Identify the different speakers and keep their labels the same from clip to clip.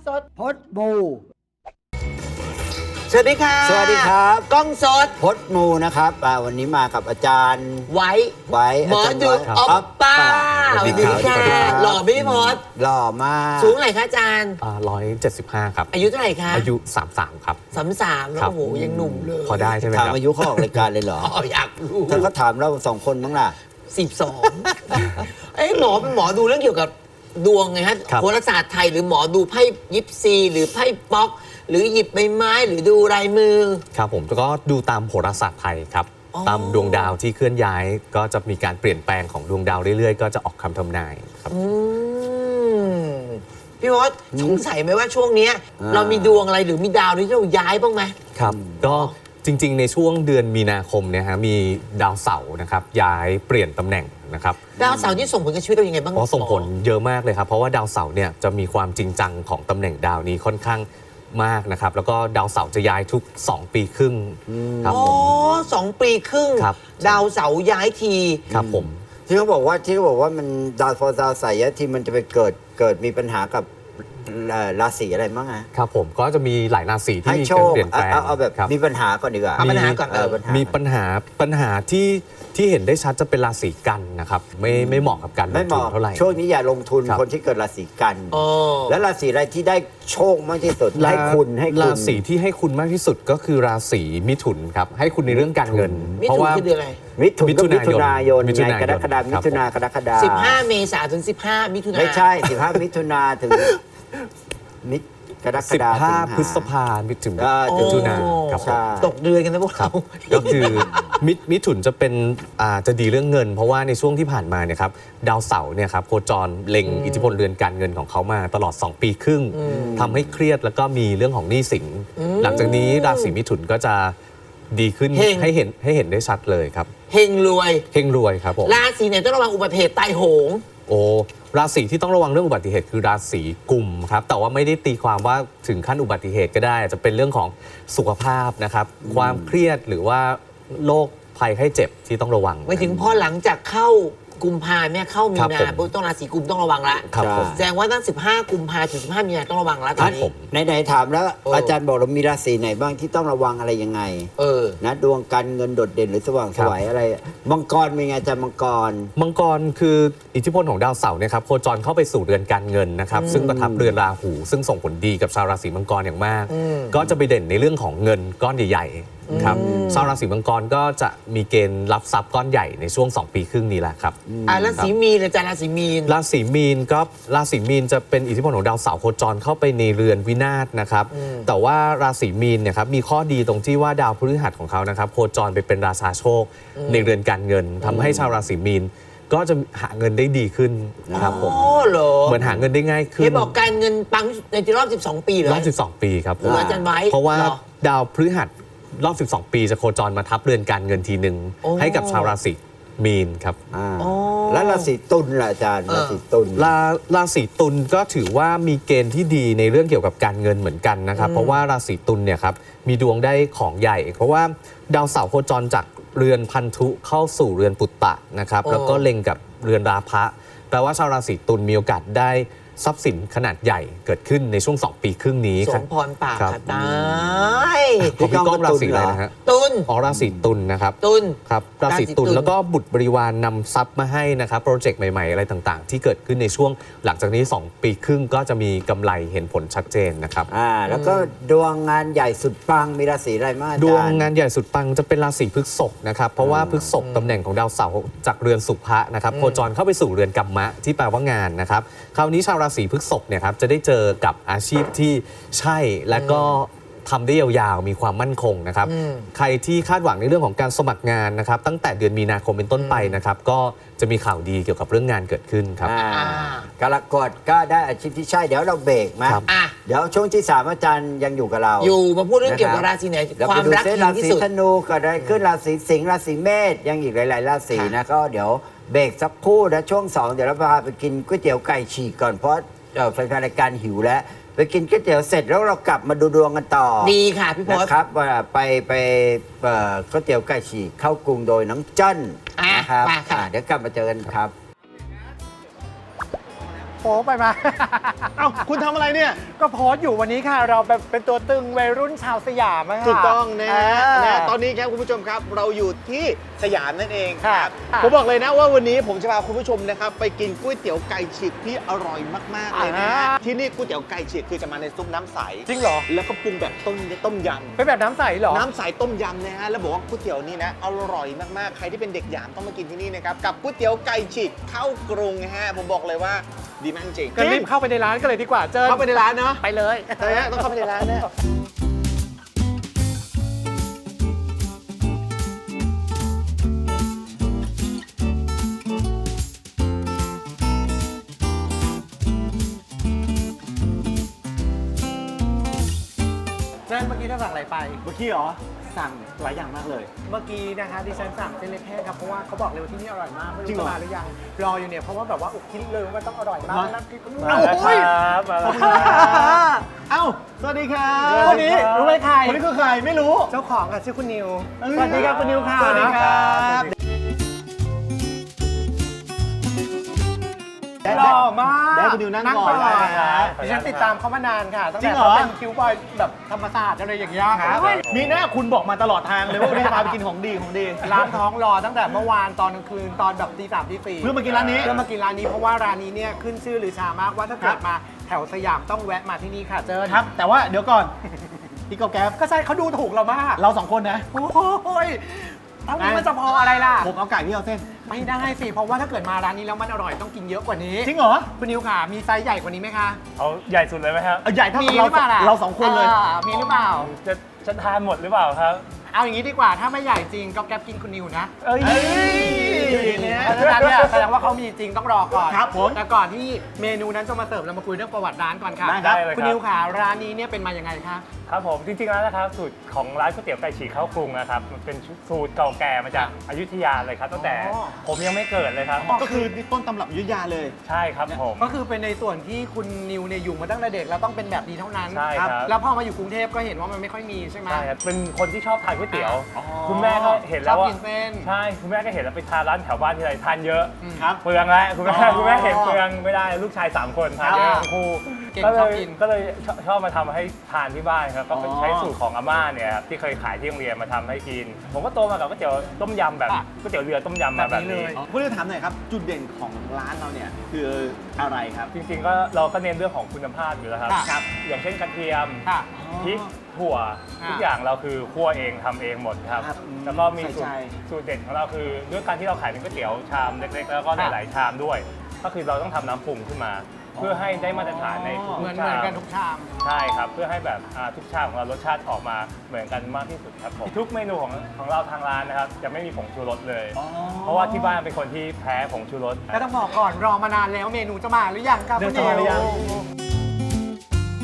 Speaker 1: สด
Speaker 2: พดมู
Speaker 1: สวัสดีค่ะ
Speaker 2: สวัสดีครับ
Speaker 1: กล้องสด
Speaker 2: พดมูนะครับวันนี้มากับอาจารย์
Speaker 1: ไว้หมอดูออปป้าสวัสดีค่ะหล่อไม่พอด
Speaker 2: หล่อมาก
Speaker 1: สูงไหนคะอาจารย์
Speaker 3: 175ครับ
Speaker 1: อายุเท่าไหร่คะ
Speaker 3: อายุ33ครับ
Speaker 1: 33แล้วโอ้โหยังหนุ่มเลย
Speaker 3: พอได้ใช่ไหมค
Speaker 2: รั
Speaker 3: บ
Speaker 2: ถามอายุเขาออกรายการเลยเหรอ
Speaker 1: อยากรู้
Speaker 2: ถ้าเขาถามเรา2 คนมั้งล่ะ
Speaker 1: 12หมอเป็นหมอดูเรื่องเกี่ยวกับดวงไงฮะโหราศาสตร์ไทยหรือหมอดูไพ่ยิปซีหรือไพ่ป๊อกหรือหยิบใบไม้หรือดูลายมือ
Speaker 3: ครับผมก็ดูตามโหราศาสตร์ไทยครับตามดวงดาวที่เคลื่อนย้ายก็จะมีการเปลี่ยนแปลงของดวงดาวเรื่อยๆก็จะออกคำทำนายครับ
Speaker 1: พี่พศสงสัยไหมว่าช่วงนี้เรามีดวงอะไรหรือมีดาวที่เราย้ายบ้างไหม
Speaker 3: ครับก็จริงๆในช่วงเดือนมีนาคมเนี่ยฮะมีดาวเสาร์นะครับย้ายเปลี่ยนตำแหน่งนะครับ
Speaker 1: ดาวเสาร์ที่ส่งผลกับชีวิตเรายังไงบ้าง
Speaker 3: ส่งผลเยอะมากเลยครับเพราะว่าดาวเสาร์เนี่ยจะมีความจริงจังของตำแหน่งดาวนี้ค่อนข้างมากนะครับแล้วก็ดาวเสาร์จะย้ายทุก2 ปีครึ่งครับผม
Speaker 1: 2 ปีครึ่งดาวเสาร์ย้ายที
Speaker 3: ครับผม
Speaker 2: ที่เขาบอกว่ามันดาวเสาร์ย้ายทีมันจะไปเกิดมีปัญหากับราศีอะไรบ้างฮะ
Speaker 3: ครับผมก็จะมีหลายราศีที่มีการเปลี่ยนแปลง
Speaker 2: เอาแบบมีปัญหาก่อนดีกว่า
Speaker 1: ปัญหาก่อน
Speaker 3: มีปัญหาที่เห็นได้ชัดจะเป็นราศีกันนะครับไม่เหมาะกับการลงทุนเท่าไหร่
Speaker 2: ช่วงนี้อย่าลงทุนคนที่เกิดราศีกันแล้วราศีอะไรที่ได้โชคมากที่สุดให้คุณ
Speaker 3: ราศีที่ให้คุณมากที่สุดก็คือราศีมิถุนครับให้คุณในเรื่องการเงิน
Speaker 1: เพราะว่าคือเดือนอะไร
Speaker 2: มิถุนายนกรกฎาคมมิถุนากรกฎาคม
Speaker 1: 15 เมษายนถึง15 มิถุนายน
Speaker 2: ไม่ใช่15 มิถุนาถึงกรกฎาคม
Speaker 3: 15 พฤษภาคมถึงมิถุนาครับ
Speaker 1: ตกเดือนกันนะพวกเรา
Speaker 3: ก็คือมิถุนจะเป็นจะดีเรื่องเงินเพราะว่าในช่วงที่ผ่านมาเนี่ยครับดาวเสาร์เนี่ยครับโคจรเล็งอิทธิพลเรือนการเงินของเขามาตลอด2 ปีครึ่งทำให้เครียดแล้วก็มีเรื่องของหนี้สินหลังจากนี้ราศีมิถุนก็จะดีขึ้นให้เห็นได้ชัดเลยครับ
Speaker 1: เฮงรวย
Speaker 3: ครับผม
Speaker 1: ราศีไหนต้องระวังอุบัติเหตุตายโหง
Speaker 3: ราศีที่ต้องระวังเรื่องอุบัติเหตุคือราศีกุมครับแต่ว่าไม่ได้ตีความว่าถึงขั้นอุบัติเหตุก็ได้อาจจะเป็นเรื่องของสุขภาพนะครับความเครียดหรือว่าโรคภัยไข้เจ็บที่ต้องระวัง
Speaker 1: ไปถึงพอหลังจากเข้ากุมภาเนี่ยเข้ามีนาปุ๊บต้องราศีกุมต้องระวังละแสดงว่าตั้ง15 กุมภาถึง15 มีนาต้องระวังแล้วตอนนี้
Speaker 2: ไหนถามแล้วอาจารย์บอกเรามีราศีไหนบ้างที่ต้องระวังอะไรยังไงนะดวงการเงินโดดเด่นหรือสว่างไสวอะไรมังกรเป็นไงอาจารย์มังก
Speaker 3: รคืออิทธิพลของดาวเสาร์เนี่ยครับโคจรเข้าไปสู่เรือนการเงินนะครับซึ่งประทับเรือนราหูซึ่งส่งผลดีกับชาวราศีมังกรอย่างมากก็จะไปเด่นในเรื่องของเงินก้อนใหญ่ๆครับชาวราศีมังกรก็จะมีเกณฑ์รับทรัพย์ก้อนใหญ่ในช่วง2 ปีครึ่งนี้แหละครับ
Speaker 1: ราศีมีนอาจารย์ราศีมีน
Speaker 3: ราศีมีนจะเป็นอิทธิพลของดาวเสาร์โคจรเข้าไปในเรือนวินาศนะครับแต่ว่าราศีมีนเนี่ยครับมีข้อดีตรงที่ว่าดาวพฤหัสของเขานะครับโคจรไปเป็นราชาโชคในเรือนการเงินทำให้ชาวราศีมีนก็จะหาเงินได้ดีขึ้นครับผมเหมือนหาเงินได้ง่ายขึ้น
Speaker 1: บอกการเงินปังในรอบ12 ปีเหรอ
Speaker 3: รอบ12 ปีครับ
Speaker 1: อาจารย์ไว้
Speaker 3: เพราะว่าดาวพฤหัสรอบ12 ปีจะโคจรมาทับเรือนการเงินทีหนึ่งให้กับชาวราศีมีนครับ
Speaker 2: แล้วราศีตุลล่ะอาจารย์ราศีตุล
Speaker 3: ราศีตุลก็ถือว่ามีเกณฑ์ที่ดีในเรื่องเกี่ยวกับการเงินเหมือนกันนะครับเพราะว่าราศีตุลเนี่ยครับมีดวงได้ของใหญ่เพราะว่าดาวเสาร์โคจรจากเรือนพันธุเข้าสู่เรือนปุตตะนะครับแล้วก็เล็งกับเรือนราพะแปลว่าชาวราศีตุลมีโอกาสได้ทรัพย์สินขนาดใหญ่เกิดขึ้นในช่วง2 ปีครึ่งนี้
Speaker 1: ครับสมพรปากค่ะตาย
Speaker 3: พี่ก้องราศีอะไรนะฮะ
Speaker 1: ตุล
Speaker 3: ราศีตุลนะครับ
Speaker 1: ตุล
Speaker 3: ครับราศีตุลแล้วก็บุตรบริวารนำทรัพย์มาให้นะครับโปรเจกต์ใหม่ๆอะไรต่างๆที่เกิดขึ้นในช่วงหลังจากนี้2 ปีครึ่งก็จะมีกำไรเห็นผลชัดเจนนะครับ
Speaker 2: แล้วก็ดวงงานใหญ่สุดปังมีราศีอะไรบ้าง
Speaker 3: ดวงงานใหญ่สุดปังจะเป็นราศีพฤษภนะครับเพราะว่าพฤษภตำแหน่งของดาวเสาร์จากเรือนสุภะนะครับโคจรเข้าไปสู่เรือนกัมมะที่แปลว่างานนะครับคราวนี้ชาวราศีพฤษภเนี่ยครับจะได้เจอกับอาชีพที่ใช่และก็ทำได้ยาวๆมีความมั่นคงนะครับใครที่คาดหวังในเรื่องของการสมัครงานนะครับตั้งแต่เดือนมีนาคมเป็นต้นไปนะครับก็จะมีข่าวดีเกี่ยวกับเรื่องงานเกิดขึ้นครับ
Speaker 2: กรกฎก็ได้อาชีพที่ใช่เดี๋ยวเราเบรกมาเดี๋ยวช่วงที่3อาจารย์ยังอยู่กับเรา
Speaker 1: อยู่มาพูดเรื่องเกี่ยวกับราศีไหนความรัก
Speaker 2: ราศีธนูก็ได้ขึ้นราศีสิงห์ราศีเมษยังอีกหลายๆราศีนะก็เดี๋ยวเบรกสักครู่นะช่วง2เดี๋ยวเราพาไปกินก๋วยเตี๋ยวไก่ฉีกก่อนเพราะแฟนๆรายการหิวแล้วไปกินก๋วยเตี๋ยวเสร็จแล้วเรากลับมาดูดวงกันต่อ
Speaker 1: ดีค่ะพี่พศ
Speaker 2: นะครับไปก๋วยเตี๋ยวไก่ฉีกเข้ากรุงโดยน้องเจิ้นนะครับเดี๋ยวกลับมาเจอกันครับ
Speaker 4: โป๊ไปมา
Speaker 5: เอ้าคุณทำอะไรเนี่ย
Speaker 4: ก็โพสต์อยู่วันนี้ค่ะ เราเป็นตัวตึงวัยรุ่นชาวสยามอะค่ะ
Speaker 5: ถูกต้องนะฮะ
Speaker 4: า
Speaker 5: นะตอนนี้ครับคุณผู้ชมครับเราอยู่ที่สยามนั่นเองค
Speaker 4: ค่ะ
Speaker 5: รับ
Speaker 4: ค่ะ
Speaker 5: ผมบอกเลยนะว่าวันนี้ผมจะพาคุณผู้ชมนะครับไปกินก๋วยเตี๋ยวไก่ฉีกที่อร่อยมากๆเลยนะฮะ
Speaker 4: อ่า
Speaker 5: ที่นี่ก๋วยเตี๋ยวไก่ฉีกคือจะมาในซุปน้ำใส
Speaker 4: จริงเหรอ
Speaker 5: แล้วก็ปรุงแบบต้มย
Speaker 4: เป็นแบบน้ำใสเหรอ
Speaker 5: ำน้ำใสต้มยำนะฮะแล้วบอกว่าก๋วยเตี๋ยวนี่นะอร่อยมากๆใครที่เป็นเด็กหยามต้องมากินที่นี่นะครับกับก๋วยเตี๋ยวไก่ฉีกเข้ากรุงนะฮะผมบอกเลยว่าดีมากจริง
Speaker 4: ก็รีบเข้าไปในร้านกันเลยดีกว่าเจอ
Speaker 5: เข้าไปในร้านเนาะ
Speaker 4: ไปเลย
Speaker 5: ต้องเข้าไปในร้านนะ
Speaker 4: นั่นเมื่อกี้ท่านสั่งอะไรไป
Speaker 5: เมื่อกี้เหรอสั่งหลายอย่างมากเลย
Speaker 4: เมื่อกี้นะคะดิฉันสั่งเส้นเล็กแห้งครับเพราะว่าเขาบอกเลยว่าที่นี่อร่อยมากไม่
Speaker 5: จริ
Speaker 4: รู้
Speaker 5: งเหรอ
Speaker 4: จะมาหรือยังรออยู่เนี่ยเพราะว่าแบบว่าอุกคิดเลยว่าต้องอร่อยมาก
Speaker 5: เหรอ
Speaker 4: นั่นคือ
Speaker 5: มาแล้วครับมาแล้วครับเอ้าสวัสดีครับ
Speaker 4: คนนี้รู้ไหมใคร
Speaker 5: คนนี้คือใครไม่รู้
Speaker 4: เจ้าของค่ะชื่อคุณนิวสวัสดีครับคุณนิวค่ะ
Speaker 5: สวัสดีครับ
Speaker 4: หล่อมาก
Speaker 5: ได้คุณนิวนั่งก่อน
Speaker 4: ก่อน
Speaker 5: นะครับ
Speaker 4: ดิฉันติดตามเขามานานค่ะตั้ง
Speaker 5: จริ
Speaker 4: แต่
Speaker 5: งเหรอ
Speaker 4: เขาเป็นคิวบอยแบบธรรมศาสตร์อะไรอย่างเงี้ย
Speaker 5: ครับ
Speaker 4: เฮ้ย
Speaker 5: มีหน้าคุณบอกมาตลอดทางเลยว่าวันนี้จะพาไปกินของดีของดี
Speaker 4: ร้านท้องรอตั้งแต่เมื่อวานตอนกลางคืนตอนแบบตี 3ตี 4
Speaker 5: เพื่อมากินร้านนี้
Speaker 4: เพื่อมากินร้านนี้เพราะว่าร้านนี้เนี่ยขึ้นชื่อหรือชามากว่าถ้าเกิดมาแถวสยามต้องแวะมาที่นี่ค่ะเจิญ
Speaker 5: ครับ แต่ว่าเดี๋ยวก่อน พี่กอแก๊บ
Speaker 4: ก็ใช่เขาดูถูกเรามาก
Speaker 5: เราสองคนนะ
Speaker 4: โอ้ยเท่านี้มันจะพออะไรล่ะ
Speaker 5: ผมเอาไก่พี่เอาเส้น
Speaker 4: ไม่ได้สิ เพราะว่าถ้าเกิดมาร้านนี้แล้วมันอร่อยต้องกินเยอะกว่านี้
Speaker 5: จริงเหรอ
Speaker 4: คุณนิวค่ะ มีไซส์ใหญ่กว่านี้ไหมคะ
Speaker 6: เอาใหญ่สุดเลยไหมครับ
Speaker 5: เอาใหญ่เท่า
Speaker 4: มี
Speaker 5: กับ
Speaker 4: หรือเปล่าล่ะ
Speaker 5: เราสองคนเลย
Speaker 4: มีหรือเปล่า
Speaker 6: จะทานหมดหรือเปล่าครับ
Speaker 4: เอาอย่างนี้ดีกว่า ถ้าไม่ใหญ่จริงก็แก๊ปกินคุณนิวนะ
Speaker 6: เอ้ย
Speaker 5: เอ้ยเนี่ย
Speaker 4: เพราะฉะนั้นเนี่ยแสดงว่าเขามีจริงต้องรอก่อน
Speaker 5: ครับผม
Speaker 4: แต่ก่อนที่เมนูนั้นจะมาเสิร์ฟเรามาคุยเรื่องประวัติร้านก่อนค่ะ
Speaker 5: ได้ครับ
Speaker 6: ได้เลยครับ
Speaker 4: คุณนิวค่ะร้านนี้เนี่ยเป็นมายังไงคะ
Speaker 6: ครับผมจริงๆแล้วนะครับสูตรของร้านก๋วยเตี๋ยวไก่ฉีกข้าวกรุงนะครับมันเป็นสูตรเก่าแก่มาจากอยุธยาเลยครับตั้งแต่
Speaker 4: อ๋อ
Speaker 6: ผมยังไม่เกิดเลยครับ
Speaker 5: ก็คือนี่ต้นตำรับอยุธยาเลย
Speaker 6: ใช่ครับผม
Speaker 4: ก็คือเป็นในส่วนที่คุณนิวเนี่ยอยู่มาตั้งแต่เด็กแล้วต้องเป็นแบบนี้เท่านั้น
Speaker 6: ใช่ครับ
Speaker 4: แล้วพอมาอยู่กรุงเทพก็เห็นว่ามันไม่ค่อยมีใช่ไหม
Speaker 6: ใช่ครับเป็นคนที่ชอบทานก๋วยเตี๋ยว
Speaker 5: อ๋อ
Speaker 6: คุณแม่ก็เห็นแล้ว
Speaker 4: ชอบ
Speaker 6: ว่า
Speaker 4: กินเส้น
Speaker 6: ใช่คุณแม่ก็เห็นแล้วไปทานร้านแถวบ้านที่ไรทานเยอะ
Speaker 5: ครับ
Speaker 6: เปลืองแล้วคุณแม่
Speaker 5: อ๋อ
Speaker 6: คุณแม่เห็นเปลืองไม่ได้ลูกชาย 3 คนทานเยอะทั้งคู่
Speaker 4: เก่ง
Speaker 6: ก็เล
Speaker 4: ชอบ
Speaker 6: ย
Speaker 4: กิน
Speaker 6: ก็เลยชอบมาทำให้ทานที่บ้านครับก็เป็น
Speaker 5: อ๋อ
Speaker 6: ใช้สูตรของอาม่าเนี่ยครับที่เคยขายที่โรงเรียนมาทำให้กิน ผมก็โตมากับก๋วยเตี๋ยวต้มยำแบบ
Speaker 4: อ่ะ
Speaker 6: ก๋วยเตี๋ยวเรือต้มยำมา
Speaker 4: แบ
Speaker 6: แบบ บ
Speaker 4: นี้เล
Speaker 6: นี้
Speaker 4: ย
Speaker 5: คุณนิวถามหน่อยครับจุดเด่นของร้านเราเนี่ยคืออะไรครับ
Speaker 6: จริงๆก็เราก็เน้นเรื่องของคุณภาพอยู่แล้วครับ
Speaker 4: ค่ะ
Speaker 6: อย่างเช่นกระเทียม
Speaker 4: ค่ะ
Speaker 6: พริกถั่ว
Speaker 4: ค่ะ
Speaker 6: ทุกอย่างเราคือคั่วเองทำเองหมดครับ
Speaker 5: ครับ
Speaker 6: แล้วก็มี
Speaker 5: ใส่ใจ
Speaker 6: สูตรเด็ดของเราคือด้วยการที่เราขายเป็นก๋วยเตี๋ยวชามเล็กๆ แล้วก็หลายๆชามด้วย ก็คือเราต้องทำน้ำปรุงขึ้นมา เพื่อให้ได้มาตรฐานในทุก
Speaker 4: เหมือน
Speaker 6: ชาม
Speaker 4: กันทุกชาม
Speaker 6: ใช่ครับ เพื่อให้แบบทุกชามของเรารสชาติออกมาเหมือนกันมากที่สุดครับผมทุกเมนูของเราทางร้านนะครับจะไม่มีผงชูรสเลย เพราะว่าที่บ้านเป็นคนที่แพ้ผงชูรส
Speaker 4: แล้วต้องบอกก่อนรอมานานแล้วเมนูจะมาหรือยังครับ
Speaker 5: เดี๋
Speaker 4: คุ
Speaker 5: ยว
Speaker 4: ณ
Speaker 5: จะมาหรือยัง
Speaker 4: นิว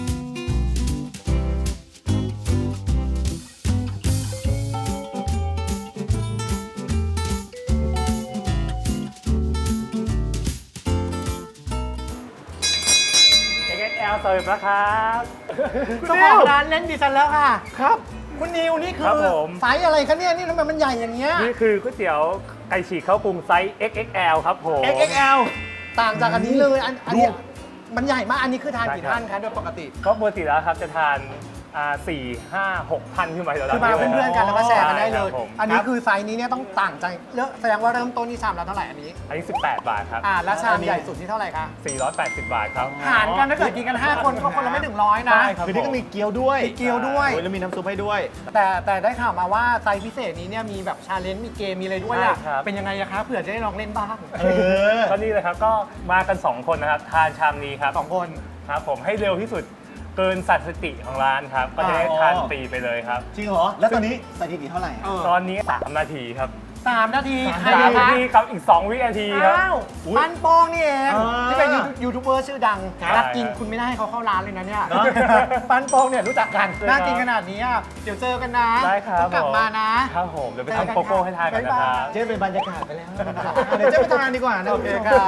Speaker 6: XXL เสิร์ฟแล้วครับ
Speaker 4: เจ้าของร้านเล่นดิฉันแล้วค่ะ
Speaker 5: ครับ
Speaker 4: คุณนิวนี่คื
Speaker 6: ครั
Speaker 4: อบ
Speaker 6: ผม
Speaker 4: ไซส์อะไรคะเนี่ยนี่ทำไมมันใหญ่อย่างเงี้ย
Speaker 6: นี่คือก๋วยเตี๋ยวไก่ฉีกข้าวปรุงไซส์ XXL ครับผม
Speaker 5: XXL
Speaker 4: ต่างจากอันนี้เลยอันนี้มันใหญ่มากอันนี้คือทาน
Speaker 6: ใช่
Speaker 4: กี่
Speaker 6: ครับ
Speaker 4: ท่านคะโดยปกติ
Speaker 6: ก็ปกติแล้วครับจะทาน4-5-6 ท่านขึ้นไปแล้ว
Speaker 4: คือมาเป็นเพื่อนกันแล้วก็แชร์กันได้เลย
Speaker 6: ใช่ครับผม
Speaker 4: อันนี้คือไซส์นี้เนี่ยต้องต่างใจแสดงว่าเริ่มต้นที่ชามละเท่าไหร่อันนี้
Speaker 6: อันนี้18 บาทครับ
Speaker 4: แล้วชามใหญ่สุดที่เท่าไหร่คะ
Speaker 6: 480 บาทครับ
Speaker 4: หารกันถ้าเกิดกินกัน 5 คนก็คนละไม่ถึงร้อยนะ
Speaker 6: ใช่ครับ
Speaker 5: คือนี่ก็มีเกี๊ยวด้วย
Speaker 4: มีเกี๊ยวด้วย
Speaker 5: โอ้แล้วมีน้ำซุปให้ด้วย
Speaker 4: แต่ได้ข่าวมาว่าไซส์พิเศษนี้เนี่ยมีแบบชาเลนจ์มีเกมมีอะไรด้วยอะ
Speaker 6: ใช่ครับ
Speaker 4: เป็นยังไงอะคะเผื่อจะได้ลองเล่นบ้าง
Speaker 5: เออ
Speaker 6: ก็นี่เลยครับก็มากัน 2 คนนะครับ ทานชามนี้ครับ
Speaker 4: สองคน
Speaker 6: ครับผมให้เร็วที่สุดเกินสถิติของร้านครับ ก็จะได้ทานฟรีไปเลยครับ
Speaker 5: จริงเหรอ แล้วตอนนี้สถิติเท่าไหร่อะ
Speaker 6: ตอนนี้ 3 นาทีครับ
Speaker 4: 3 นาทีใคร
Speaker 6: 3
Speaker 4: อะ
Speaker 6: นา
Speaker 4: คะ
Speaker 6: ทีกับอีก 2 วินาทีครับ
Speaker 4: อ้าวปันโป้งนี่เอง
Speaker 5: อ่า
Speaker 4: ที่เป็นยูทูบเบอร์ชื่อดัง
Speaker 6: ครับ
Speaker 4: นักกินคุณไม่ได้ให้เขาเข้าร้านเลยนะเนี่ย
Speaker 5: เนอะ
Speaker 4: ปันโป้งเนี่ยรู้จักกัน
Speaker 6: ครับ
Speaker 4: น่ากินขนาดนี้อะเดี๋ยวเจอกันนะ
Speaker 6: ได้ครับ
Speaker 4: ต้องกลับมานะ
Speaker 6: ครับผมเดี๋ยวไป
Speaker 4: เจอกัน
Speaker 6: ทำโกโก้ให้ทานกันนะครับ
Speaker 4: บ๊ายบาย
Speaker 5: เจ๊เป็นบรรยากาศไปแล้ว เดี๋ยวเจ๊ไปทำงานดีกว่านะ
Speaker 4: โอเคค่ะ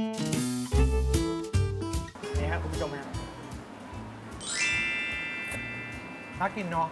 Speaker 5: นี่ครับคุณผู้ชมฮะ
Speaker 4: ากินเนาะ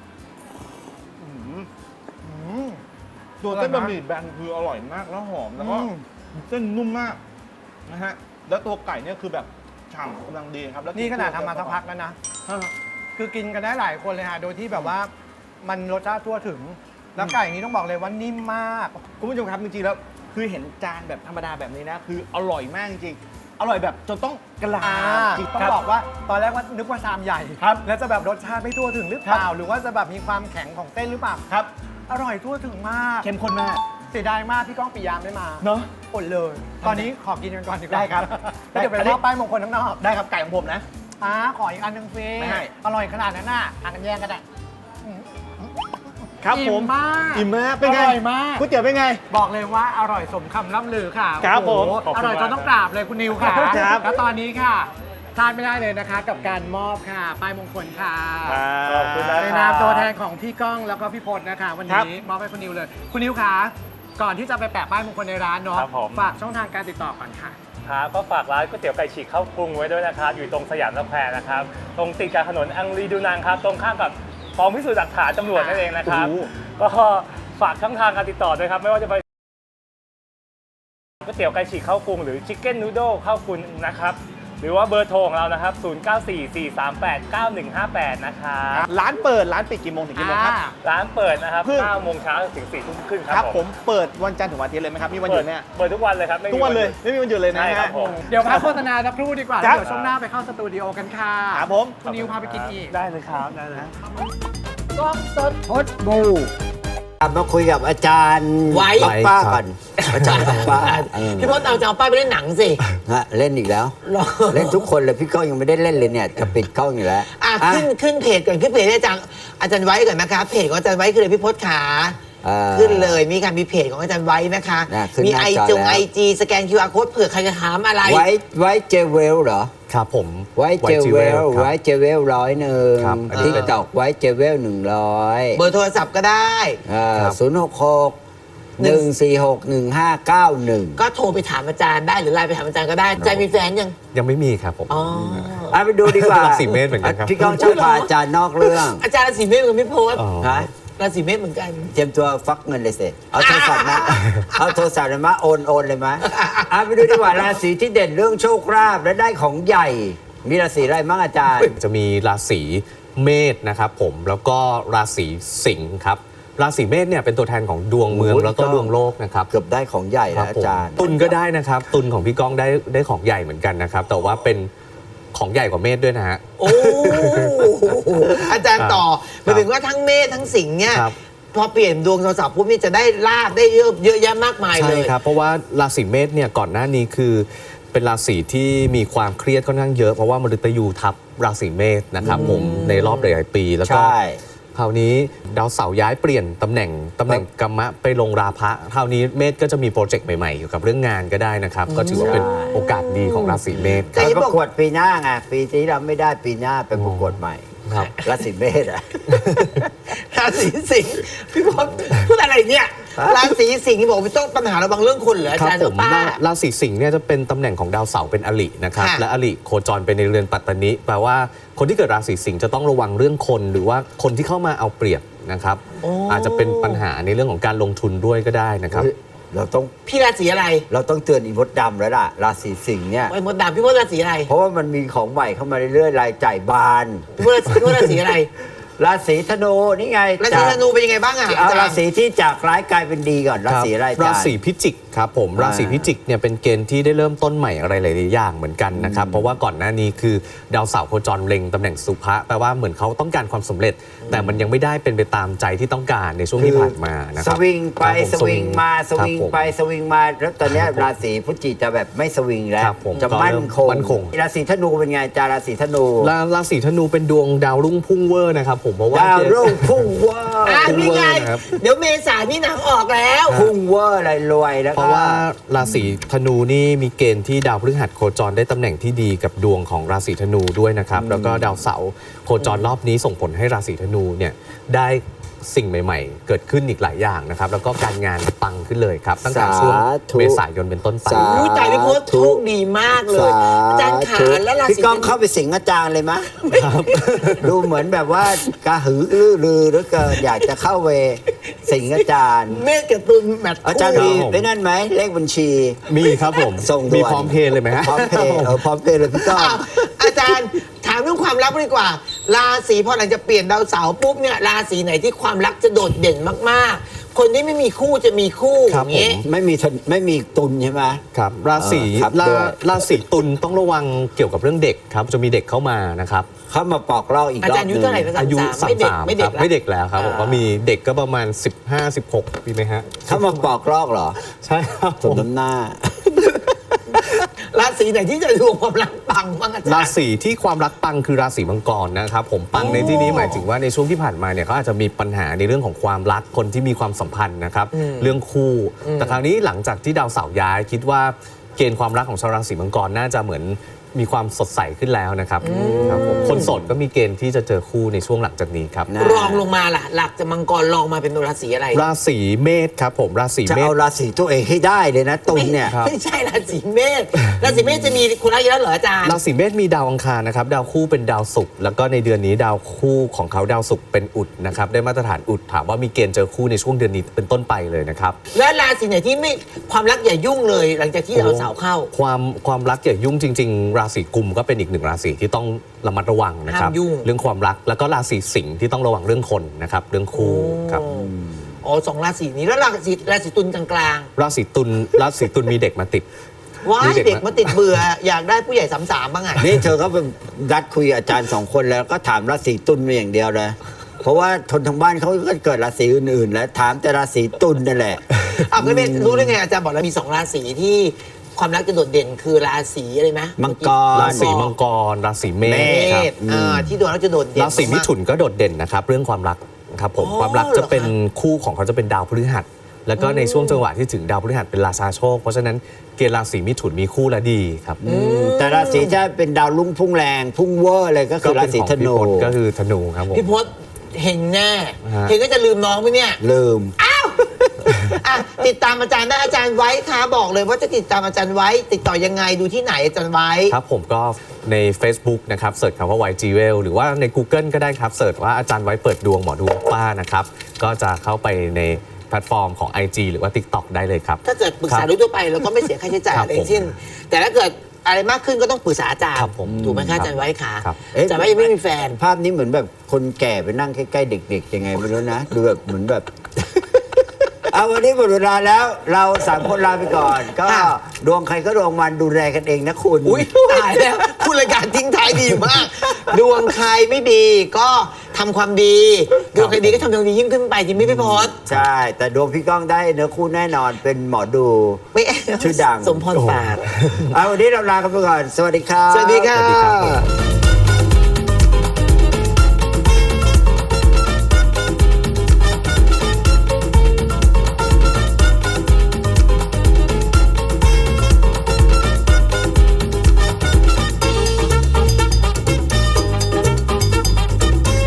Speaker 5: ตัวเส้นบะหมี่แบนคืออร่อยมากแล้วหอมแล้วก็เส้นนุ่มมากนะฮะแล้วตัวไก่เนี่ยคือแบบฉ่ำกำลังดีครับแล้ว
Speaker 4: นี่ขนาดทำมาสักพักแล้วนะ คือกินกันได้หลายคนเลยฮะ โดยที่แบบว่ามันรสชาติทั่วถึง แล้วไก่นี้ต้องบอกเลยว่านิ่มมาก
Speaker 5: คุณผู้ชมครับจริงๆแล้วคือเห็นจานแบบธรรมดาแบบนี้นะคืออร่อยมากจริงๆอร่อยแบบจนต้องกราบจริง
Speaker 4: ต้องบอกว่าตอนแรกว่านึกว่าชามใหญ่
Speaker 5: ครับ
Speaker 4: แล้วจะแบบรสชาติไม่ทั่วถึงหรือเปล่า หรือว่าจะแบบมีความแข็งของเส้นหรือเปล่า
Speaker 5: ครับ
Speaker 4: อร่อยทั่วถึงมาก
Speaker 5: เข้มข้นมาก
Speaker 4: เสียดายมากพี่ก้องปิยามไม่มา
Speaker 5: เนาะ
Speaker 4: อดเลย ตอนนี้ขอกินกันก่อนดีกว่า
Speaker 5: ได้ครับ
Speaker 4: แล้วเดี๋ยวไป
Speaker 5: อันนี้
Speaker 4: มอบป้ายมงคลข้างนอก
Speaker 5: ได้ครับไก่ของผมนะ
Speaker 4: ขออีกอันหนึ่งฟรี
Speaker 5: ไม่ให้
Speaker 4: อร่อยขนาดนั้นน่ะอ่านกันแย่งกันอ่ะ
Speaker 5: ครับ
Speaker 4: อิ่
Speaker 5: ผม
Speaker 4: มาก
Speaker 5: อิ่มมากเป็นไง
Speaker 4: อร่อยมาก
Speaker 5: ก๋วยเตี๋ยวเป็นไง
Speaker 4: บอกเลยว่าอร่อยสมคำล่ำลือค่ะ
Speaker 5: ครับ
Speaker 4: โอ้โห
Speaker 5: ผม
Speaker 4: อร่อยจนต้องกราบเลยคุณนิวค่ะ
Speaker 5: ครับ
Speaker 4: แล้วตอนนี้ค่ะพลาดไม่ได้เลยนะคะ กับการมอบค่ะป้ายมงคลค่ะ
Speaker 5: ขอบคุณนะ
Speaker 4: ในนามตัวแทนของพี่ก้องแล้วก็พี่พจน์นะคะ วัน
Speaker 5: ครับ
Speaker 4: นี้มอบให้คุณนิวเลย คุณนิวค่ะก่อนที่จะไปแปะป้ายมงคลในร้านเนาะ
Speaker 6: ครับผม
Speaker 4: ฝากช่องทางการติดต่อก่อนค่ะ
Speaker 6: ครับก็ฝากร้านก๋วยเตี๋ยวไก่ฉีกเข้ากรุงไว้ด้วยนะครับ อยู่ตรงสยามสแควร์นะครับ ตรงติดกับถนนอังรีดูนังครับ ตรงข้ามกับกองพิสูจน์หลักฐานตำรวจนั่นเองนะครับ ก็ฝากช่องทางการติดต่อด้วยครับ ไม่ว่าจะไปก๋วยเตี๋ยวไก่ฉีกเข้ากรุงหรือชิคเก้นนูโดเข้ากรุงนะครับ หรือว่าเบอร์โทรของเรานะครับ 0944389158 นะครับ
Speaker 5: ร้านเปิดร้านปิดกี่โมงถึงกี่โมงครับ
Speaker 6: ร้านเปิดนะครับ
Speaker 5: เพิ่ง
Speaker 6: 9 โมงเช้าถึง 4 ทุ่มครึ่งค
Speaker 5: ค
Speaker 6: รั
Speaker 5: รั
Speaker 6: บบ
Speaker 5: ผมเปิดวันจันทร์ถึงวันอาทิตย์เลยไหมครับมีวันหยุดไหมฮะ
Speaker 6: เปิดทุกวันเลยครับไม่มี
Speaker 5: ทุกวันเลยไม่มีวันหยุดเลยนะ
Speaker 6: ใช่ครั
Speaker 5: ฮะ
Speaker 6: บผม
Speaker 4: เดี๋ยวพักโฆษณาสักครู่ดีกว่า
Speaker 5: ครับ
Speaker 4: เดี๋ยวช่วงหน้าไปเข้าสตูดิโอกันค่ะ
Speaker 5: ครับผม
Speaker 4: คุณนิวพาไปกินอีก
Speaker 6: ได้เลยครับได้เลย
Speaker 2: พดบูมาคุยกับอาจารย์
Speaker 1: ไว้
Speaker 2: ป๊อกป้าก่อนอาจารย์ป๊อกป้าเออ
Speaker 1: พี่พจน์เอาจะเอาป้ายไปเล่นหนังสิ
Speaker 2: ฮะเล่นอีกแล้ว
Speaker 1: หรอ
Speaker 2: เล่นทุกคนเลยพี่ก้องยังไม่ได้เล่นเลยเนี่ยจะปิดกล้องอยู่แล้ว
Speaker 1: อ่ะ
Speaker 2: อ่ะ
Speaker 1: ขึ้นเพจก่อนขึ้นเพจให้อาจารย์ไว้ก่อนนะคะเพจของอาจารย์ไว้คือเลยพี่พจน์ขา ขึ้นเลยมีค่ะมีเพจของอาจารย์ไว้นะคะ
Speaker 2: ขึ้น
Speaker 1: มี
Speaker 2: หน้า
Speaker 1: ไอ
Speaker 2: จอ
Speaker 1: จง
Speaker 2: แล้ว
Speaker 1: ไอจีสแกน QR code เผื่อใครจะถามอะไร
Speaker 2: ไว้เจเวลเหรอ
Speaker 3: ครับผม
Speaker 2: ไว้เจเวล
Speaker 3: ครับ
Speaker 2: ไว้เจเวล100
Speaker 3: ครับอันนี้
Speaker 2: ทิกตอกไว้เจเวล100
Speaker 1: เบอร์โทรศัพท์ก็ได้
Speaker 3: ครับ
Speaker 2: 066-146-1591
Speaker 1: ก็โทรไปถามอาจารย์ได้หรือไลน์ไปถามอาจารย์ก็ได้อาจารย์มีแฟนยัง
Speaker 3: ยังไม่มีครับผม
Speaker 1: อ๋อ
Speaker 2: ไปดูดีกว่า
Speaker 3: ราศีเมษเหมือนกันครับ
Speaker 2: พี่ก้องชอบพาอาจารย์นอกเรื่อง
Speaker 1: อาจารย์ราศีเมษเหมือนพี่พจน์
Speaker 3: อ๋อ
Speaker 2: ฮะ
Speaker 1: ราศีเมษเหมือนกัน
Speaker 2: เตรียมตัวฟักเงินเลยสิเอาโทรศัพท์มา เอาโทรศัพท์มาโอนเลยไหมไปดูดีกว่าราศีที่เด่นเรื่องโชคลาภและได้ของใหญ่ มีราศีอะไรบ้างอาจารย์
Speaker 3: จะมีราศีเมษนะครับผมแล้วก็ราศีสิงห์ครับราศีเมษเนี่ยเป็นตัวแทนของดวงเมือง
Speaker 2: โอ้โห
Speaker 3: แล้วก็ดวงโลกนะครับ
Speaker 2: เกือบได้ของใหญ่
Speaker 3: ครั
Speaker 2: แล้ว
Speaker 3: บผม
Speaker 2: อาจารย์
Speaker 3: ตุลก็ได้นะครับ ตุลของพี่ก้องได้ของใหญ่เหมือนกันนะครับ แต่ว่าเป็นของใหญ่กว่าเมษด้วยนะฮะ
Speaker 1: โอ้อาจารย์ต่อหมายถึงว่าทั้งเมษทั้งสิงห์เนี่ย
Speaker 3: ครับ
Speaker 1: พอเปลี่ยนดวงโทรศัพท์ปุ๊บนี่จะได้ลาบได้เยอะแยะมากมายเล
Speaker 3: ใช่
Speaker 1: ย
Speaker 3: ครับ เพราะว่าราศีเมษเนี่ยก่อนหน้านี้คือเป็นราศีที่มีความเครียดค่อนข้างเยอะเพราะว่ามฤตยูทับราศีเมษนะครับผมในรอบหลายๆปีแล้วก็
Speaker 2: ใช่
Speaker 3: คราวนี้ดาวเสาร์ย้ายเปลี่ยนตำแหน่งกัมมะไปลงราพะคราวนี้เมษก็จะมีโปรเจกต์ใหม่ๆเกี่ยวกับเรื่องงานก็ได้นะครับ ก็ถือว่าเป็นโอกาสดีของราศีเมษ
Speaker 1: แต่
Speaker 2: ไป
Speaker 1: ที่
Speaker 2: ป
Speaker 1: บอก
Speaker 2: ระกวดปีหน้าไงปีที่เราไม่ได้ปีหน้าไปประกวดใหม่
Speaker 3: ครับ
Speaker 2: ราศีเมษอะ
Speaker 1: ราศีสิงห์พี่พจน์พูดอะไรเนี่ยราศีสิงห์บอกว่าต้องปัญหาระวังเรื่องคนเหรออา
Speaker 3: ครับ
Speaker 1: จารย์
Speaker 3: ผ
Speaker 1: หรือ
Speaker 3: ม
Speaker 1: ป้า
Speaker 3: ราศีสิงห์เนี่ยจะเป็นตำแหน่งของดาวเสาร์เป็นอรินะครับ
Speaker 1: ค่ะ
Speaker 3: และอริโคจรเป็นในเรือนปัตตนิแปลว่าคนที่เกิดราศีสิงห์จะต้องระวังเรื่องคนหรือว่าคนที่เข้ามาเอาเปรียบนะครับ อาจจะเป็นปัญหาในเรื่องของการลงทุนด้วยก็ได้นะครับ
Speaker 2: เฮ้ยเราต้อง
Speaker 1: พี่ราศีอะไร
Speaker 2: เราต้องเตือนอีมดดำแล้วล่ะ ราศีสิงห์เนี่ย
Speaker 1: ไอ้มดดำพี่พจน์ราศีอะไร
Speaker 2: เพราะว่ามันมีของใหม่เข้ามาเรื่อยๆรายจ่ายบาน
Speaker 1: พี่พจน์ราศีอะไร
Speaker 2: ราศีธนูนี่ไง
Speaker 1: ราศีธนูเป็นยังไงบ้างอ่ะ
Speaker 2: เอา
Speaker 1: อาจาร
Speaker 2: รา
Speaker 1: ย์
Speaker 2: ศีที่จากร้ายกลายเป็นดีก่อนราศีอะไรอาจารย์
Speaker 3: ราศีพิจิกครับผม
Speaker 2: อ่า
Speaker 3: ราศีพิจิกเนี่ยเป็นเกณฑ์ที่ได้เริ่มต้นใหม่อะไรหลายๆอย่างเหมือนกันนะครับเพราะว่าก่อนหน้านี้คือดาวเสาร์โคจรเล็งตำแหน่งสุภะแปลว่าเหมือนเขาต้องการความสำเร็จ แต่มันยังไม่ได้เป็นไปตามใจที่ต้องการในช่วงที่ผ่านมานะค
Speaker 2: ส
Speaker 3: รับ
Speaker 2: วิงไป
Speaker 3: ครับผม
Speaker 2: สวิงมาสวิง
Speaker 3: ครับผม
Speaker 2: ไปสวิงมาแล้วตอนเนี้ยราศีพฤศจิจะแบบไม่สวิงแล้ว
Speaker 3: ครับผม
Speaker 2: จะ
Speaker 3: ก็
Speaker 2: มั่
Speaker 3: เริ่
Speaker 2: น
Speaker 3: ม
Speaker 2: คง
Speaker 3: มั่นคง
Speaker 2: ราศีธนูเป็นไงจาราศีธนู
Speaker 3: ราศีธนูเป็นดวงดาวรุ่งพุ่งเวอร์นะครับผมเพราะว่า
Speaker 2: ดาวรุ่งพุ่งเวอร์
Speaker 1: นี่ไง
Speaker 3: ครับ
Speaker 1: เดี๋ยวเมษายนนี่หนังออกแล้ว
Speaker 2: พุ่งเวอร์อะไรรวยแล้ว
Speaker 3: เพ
Speaker 2: ก็
Speaker 3: ราะว่าราศีธนูนี่มีเกณฑ์ที่ดาวพฤหัสโคจรได้ตำแหน่งที่ดีกับดวงของราศีธนูด้วยนะครับแล้วก็ดาวเสาร์โคจรรอบนี้ส่งผลให้ราศีธนูเนี่ยได้สิ่งใหม่ๆ เกิดขึ้นอีกหลายอย่างนะครับแล้วก็การงานปังขึ้นเลยครับตั้งแต่ช่วง
Speaker 2: สาธุ
Speaker 3: เมษายนเป็นต้นไป
Speaker 2: สา
Speaker 1: อุ้ยตายพี่พศโชคดีมากเลย อาจารย์ขาและราศี
Speaker 2: พี่ก้องเข้าไปสิงอาจารย์เลยมะดูเหมือนแบบว่ากระหือรือหรือเกินอยากจะเข้าไปสิงอาจารย์
Speaker 1: เมษกับตุลแมท
Speaker 2: อาจารย์
Speaker 3: ครับ
Speaker 2: มี
Speaker 3: ผม
Speaker 2: ไอ้นั่นไหมเลขบัญชี
Speaker 3: มีครับผม
Speaker 2: ส่งด่วน
Speaker 3: มีพร้อมเพย์เลยไหมฮะ
Speaker 2: พร้อมเพย์พร้อมเพย์เลยพี่ก้อง
Speaker 1: อ้าวอาจารย์ถามเรื่องความรักดีกว่า ราศีพอหลังจะเปลี่ยนดาวเสาร์ปุ๊บเนี่ยราศีไหนที่ความรักจะโดดเด่นมากๆ คนที่ไม่มีคู่จะมีคู่
Speaker 3: ครั
Speaker 1: อบ ย่างนี้
Speaker 2: ไม่มีตุนใช่ไหม
Speaker 3: ครับราศี
Speaker 2: ครับ
Speaker 3: รา
Speaker 2: ด้วย
Speaker 3: ราศีตุลต้องระวังเกี่ยวกับเรื่องเด็กครับจะมีเด็กเข้ามานะครับ
Speaker 2: เข้ามาปอกลอกอีก
Speaker 1: อาร
Speaker 2: อ
Speaker 1: จา
Speaker 2: บ
Speaker 1: รย์
Speaker 2: ห
Speaker 1: อายุ
Speaker 2: นึง
Speaker 1: เท่าไหร่นะ
Speaker 3: อายุ
Speaker 1: 33ไม่เด็ก
Speaker 3: 33
Speaker 1: ไม่เด็ก
Speaker 3: ครับไม่เด็กแล้วครับผม
Speaker 1: อ่า
Speaker 3: ก็มีเด็กก็ประมาณ 15-16 ปีไหมฮะ
Speaker 2: เข้ามาปอกลอกเหรอ
Speaker 3: ใช่ครับ
Speaker 2: สมน้ำหน้า
Speaker 1: ราศีไหนที่จะดวงความรักปังบ้างอาจารย์
Speaker 3: ราศีที่ความรักปังคือราศีมังกรนะครับผมปังในที่นี้หมายถึงว่าในช่วงที่ผ่านมาเนี่ยเขาอาจจะมีปัญหาในเรื่องของความรักคนที่มีความสัมพันธ์นะครับเรื่องคู่ แต่คราวนี้หลังจากที่ดาวเสาร์ย้ายคิดว่าเกณฑ์ความรักของชาวราศีมังกรน่าจะเหมือนมีความสดใสขึ้นแล้วนะครับครับผมคนโสดก็มีเกณฑ์ที่จะเจอคู่ในช่วงหลังจากนี้ครับ
Speaker 2: นะ
Speaker 1: รองลงมาล่ะ หลักจากมังกรรองมาเป็นราศีอะไร
Speaker 3: ราศีเมษครับผมราศี
Speaker 2: จะ
Speaker 3: เมษ
Speaker 2: เอาราศีตัวเองให้ได้เลยนะตุนเนี่ย
Speaker 3: ครับ
Speaker 1: ไม่ใช่ราศีเมษราศีเมษจะมีคนรักเยอะเหรออาจารย์
Speaker 3: ราศีเมษมีดาวอังคารนะครับดาวคู่เป็นดาวศุกร์แล้วก็ในเดือนนี้ดาวคู่ของเขาดาวศุกร์เป็นอุดนะครับได้มาตรฐานอุดถามว่ามีเกณฑ์เจอคู่ในช่วงเดือนนี้เป็นต้นไปเลยนะครับ
Speaker 1: และราศีไหนที่ไม่ความรักอย่ายุ่งเลย หลังจากที่ดาวเสาร์เข้า
Speaker 3: ความรักอย่ายุ่งจริง ๆ ราศีกุมก็เป็นอีกหนึ่งราศีที่ต้องระมัดระวังนะครับ
Speaker 1: ห้ามยุ่ง
Speaker 3: เรื่องความรักแล้วก็ราศีสิงห์ที่ต้องระวังเรื่องคนนะครับเรื่องคู่ครับ
Speaker 1: อ๋อสองราศีนี้แล้วราศีตุลกลาง
Speaker 3: ราศีตุลมีเด็กมาติด
Speaker 1: ๆว้าย
Speaker 3: มีเด็ก
Speaker 1: เด็กมาติดเบื่ออยากได้ผู้ใหญ่สามบ้างอ่ะ
Speaker 2: นี่เธอก็เป็นนัดคุยกับอาจารย์สองคนแล้วก็ถามราศีตุลมาอย่างเดียวเลย เพราะว่าทนทางบ้านเขาก็เกิดราศีอื่นๆ แล้วถามแต่ราศีตุลนั่นแหละ
Speaker 1: อ้าวก็ไม่รู้ได้ไงอาจารย์บอกแล้วมีสองราศีที่ความรักจะโดดเด่นคือราศีอะไรไหม
Speaker 2: มังกร
Speaker 3: ราศีมังกรราศีเม
Speaker 1: เม
Speaker 3: ษครับ
Speaker 1: ษที่ดวงแล้วจะโดดเด่น
Speaker 3: ราศีมิถุนก็โดดเด่นนะครับเรื่องความรักครับผม
Speaker 1: อ๋อ
Speaker 3: ความรักจะเป็น
Speaker 1: เหรอคะ
Speaker 3: คู่ของเขาจะเป็นดาวพฤหัส แล้วก็ในช่วงจังหวะที่ถึงดาวพฤหัสเป็นราชาโชค เพราะฉะนั้นเกณฑ์ราศีมิถุนมีคู่และดีครับ
Speaker 2: แต่ราศีที่เป็นดาวรุ่งพุ่งแรงพุ่งเวอร์เลยก็คือราศีธนู
Speaker 3: ก็เป็นของพี่พจน์ก็คือธนูครับผม
Speaker 1: พี่พศเห็นแน่
Speaker 3: ฮะ
Speaker 1: เห็นก็จะลืมน้องไหมเนี่ย
Speaker 2: ลืม
Speaker 1: อ่ะติดตามอาจารย์ได้อาจารย์ไว้ค่ะบอกเลยว่าจะติดตามอาจารย์ไว้ ติดต่อยังไงดูที่ไหนอาจารย์ไว้
Speaker 3: ครับผมก็ใน Facebook นะครับเสิร์ชคำว่า YG Well หรือว่าใน Google ก็ได้ครับเสิร์ชว่าอาจารย์ไว้เปิดดวงหมอดูป้านะครับก็จะเข้าไปในแพลตฟอร์มของ IG หรือว่า TikTok ได้เลยครับ
Speaker 1: ถ้าเกิดปรึกษา
Speaker 3: ครับ
Speaker 1: โดยทั่วไปเราก็ไม่เสียค่าใช้จ่าย
Speaker 3: ครับ
Speaker 1: อะไรทั้งสิ้นแต่ถ้าเกิดอะไรมากขึ้นก็ต้องปรึกษาอาจารย์
Speaker 3: ครับผม
Speaker 1: ถูกไหมคะอาจารย์ไว้ค่ะ
Speaker 3: ครับ
Speaker 1: อาจารย์ไว้ยังไม่มีแฟน
Speaker 2: ภาพนี้เหมือนแบบคนแก่ไปนั่งใกล้ๆเด็กๆยังไงไม่รู้นะ ดูแบบเหมือนแบบ เอาวันนี้หมดเวลาแล้วเราสามคนลาไปก่อน ก็
Speaker 1: ค่ะ
Speaker 2: ดวงใครก็ดวงมันดูแลกันเองนะคุณ
Speaker 1: อุ้ยตายแล้วคุณรายการทิ้งท้ายดีมาก ดวงใครไม่ดีก็ทำความดี ดวงใครดีก็ทำความดียิ่งขึ้นไปจริงไหมพี่พศ
Speaker 2: ใช่ แต่ดวงพี่ก้องได้เนื้อคู่แน่นอนเป็นหมอดู
Speaker 1: ไม่
Speaker 2: ชื่อดัง
Speaker 1: สมพรปาก
Speaker 2: เอาวันนี้เราลากันไปก่อน สวัสดีครับ
Speaker 1: สวัสดีค่ะ
Speaker 3: สวัสดีครับ